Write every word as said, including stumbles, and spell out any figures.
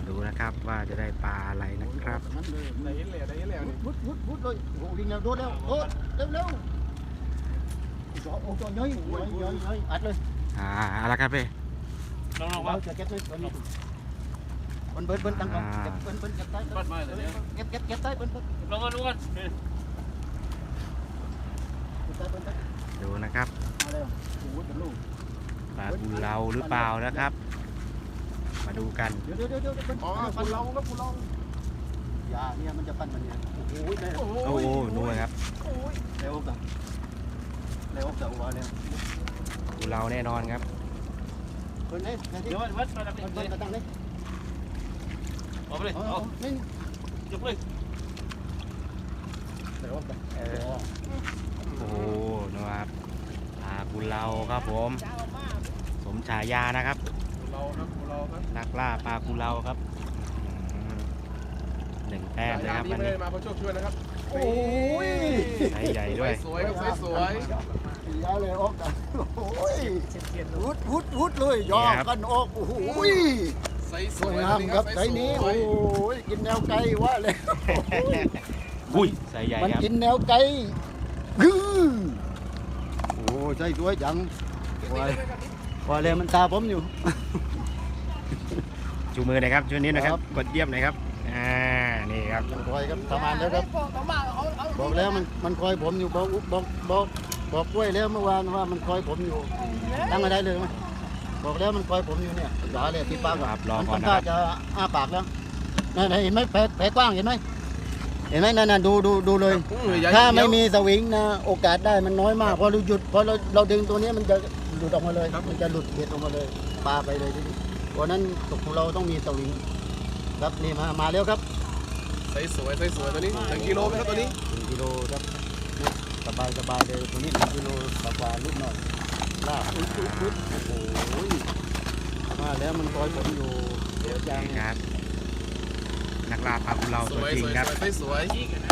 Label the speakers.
Speaker 1: ดูนะครับว่าจะได้ปลาอะไรนะครับ
Speaker 2: ได้เห็นแล้วได้เห็นแล้วนี่
Speaker 3: พุดพุดพุดเลยโอ้ยิงแล้วโดนแล้วโดนเร็วเร็วจ่อโอ้จ่อย้อยย้อยย้อยย้อยอัดเลย
Speaker 1: อ่าอะไรครับพี่
Speaker 2: ลองลอง
Speaker 3: เรา
Speaker 2: ว่า
Speaker 3: จะเก็บเลยตอนนี้เบิ้ลเบิ้ลเบิ้ลตั้งก่อนเก็บเบิ้ลเบิ้ลเก็บใต้
Speaker 2: ปัดมาเลยเนี่ย
Speaker 3: เก็บเก็บเก็บใต้เบิ้ลเบิ้ล
Speaker 2: ลองกันดูกัน
Speaker 3: เก็บใต้เบิ้ลใต้
Speaker 1: ดูนะครับ
Speaker 3: มาแล้วโอ้ยเป็นลูก
Speaker 1: ปลากุเลาหรือเปล่านะครับ มาดูกัน
Speaker 3: เดี๋ยวเดี๋ยวเดี๋ยวเดี๋ยวเบิ้ล
Speaker 2: อ๋อปัดเราครับปัดเรา
Speaker 3: ยาเนี่ยมันจะปั้นมันเนี่ยโอ้ยได้
Speaker 2: โอ้
Speaker 1: โอ้โหนู่นครับ
Speaker 3: เร็วจังเร็วจังวะเนี่ย
Speaker 1: กุเลาแน่นอนครับ
Speaker 3: เบิ้ลเนี่ยเดี๋
Speaker 2: เดี๋
Speaker 3: ย
Speaker 2: ยว ววัดมาดับ
Speaker 3: เบิ้ล
Speaker 2: เล
Speaker 3: เบิ้ล
Speaker 2: ย
Speaker 3: มาตั้งเลย
Speaker 2: เอาไปเลย
Speaker 3: เอา
Speaker 2: เอา
Speaker 3: เอานี่
Speaker 2: ยกเลย
Speaker 3: เร็วจัง
Speaker 1: เออโอ้โหนู่นครับปลากุเลาครับผม สมฉายานะครับ
Speaker 2: เราครับเราครับ
Speaker 1: นักล่าปลากุเลาครับอืมหนึ่งแต้มเลยครับ
Speaker 2: นี้
Speaker 1: วัน
Speaker 2: ไม่
Speaker 1: นี้
Speaker 2: ได้มาเพราะโชคช่วยนะครับ
Speaker 3: โอ้ย
Speaker 1: ไซส์ใหญ่ด้วย
Speaker 2: สวยครับสวย
Speaker 3: ยาเลยออกกันโอ้ยวุดวุดวุดเลยยอกันออกโอ้โห
Speaker 2: ใสส
Speaker 3: ส
Speaker 2: ว
Speaker 3: วย ยงามครับไซนี้โอ้ยกินแนวไก่ว่าเลย
Speaker 1: อุ้ยไซส์ใหญ่
Speaker 3: มัน
Speaker 1: ครับ
Speaker 3: กินแนวไก่ยื้อโอ้ใช่สวยจังว่าว่าเลยมันตาผมอยู่
Speaker 1: จูมือหน่อยครับช่วงนี้นะครับ
Speaker 3: ครับ
Speaker 1: กดเยี่ยมหน่อยครับอ่านี่ครับ
Speaker 3: มันคอยครับทำงานแล้วครับบอกแล้วมันมันคอยผมอยู่บอกบอกบอกบอกกล้วยแล้วเมื่อวานว่ามันคอยผมอยู่ตั้งมาได้เลยไหมบอกแล้วมันคอยผมอยู่เนี่ยอย่าเลยที่ปาก
Speaker 1: ครับรอ
Speaker 3: มัน
Speaker 1: ก่อน
Speaker 3: ทำ
Speaker 1: นะ
Speaker 3: ท่า
Speaker 1: ครับ
Speaker 3: จะอ้าปากแล้วนั่นเห็นไหมแผลแผลกว้างเห็นไหมเห็นไหมนั่นน่ะดูดูดูเลย ถ้าไม่มีสวิงนะโอกาสได้มันน้อยมากพอเราหยุดพอเราเราดึงตัวนี้มันจะหลุดออกมาเลยมันจะหลุดเบ็ดออกมาเลยปลาไปเลยทีนี้เพราะนั้นตกของเราต้องมีสวิงครับนี่มามาแล้วครับ
Speaker 2: ใสสวยใสสวยตัวนี้หนึ่งกิโลไหมครับตัวนี้
Speaker 3: หนึ่งกิโลครับนี่สบายสบายเลยตัวนี้หนึ่งกิโลกว่าๆลูกหน่อยลากอุ๊ยอุ๊ยอุ๊ยโอ้โหมาแล้วมันคอยผมอยู่เดี๋ยวจัง
Speaker 1: นี่ครับ นักล่าปลากุเลา
Speaker 2: ส
Speaker 1: ตัว
Speaker 2: วย
Speaker 1: จริง
Speaker 2: สวย
Speaker 1: ครับ
Speaker 2: ใสสวย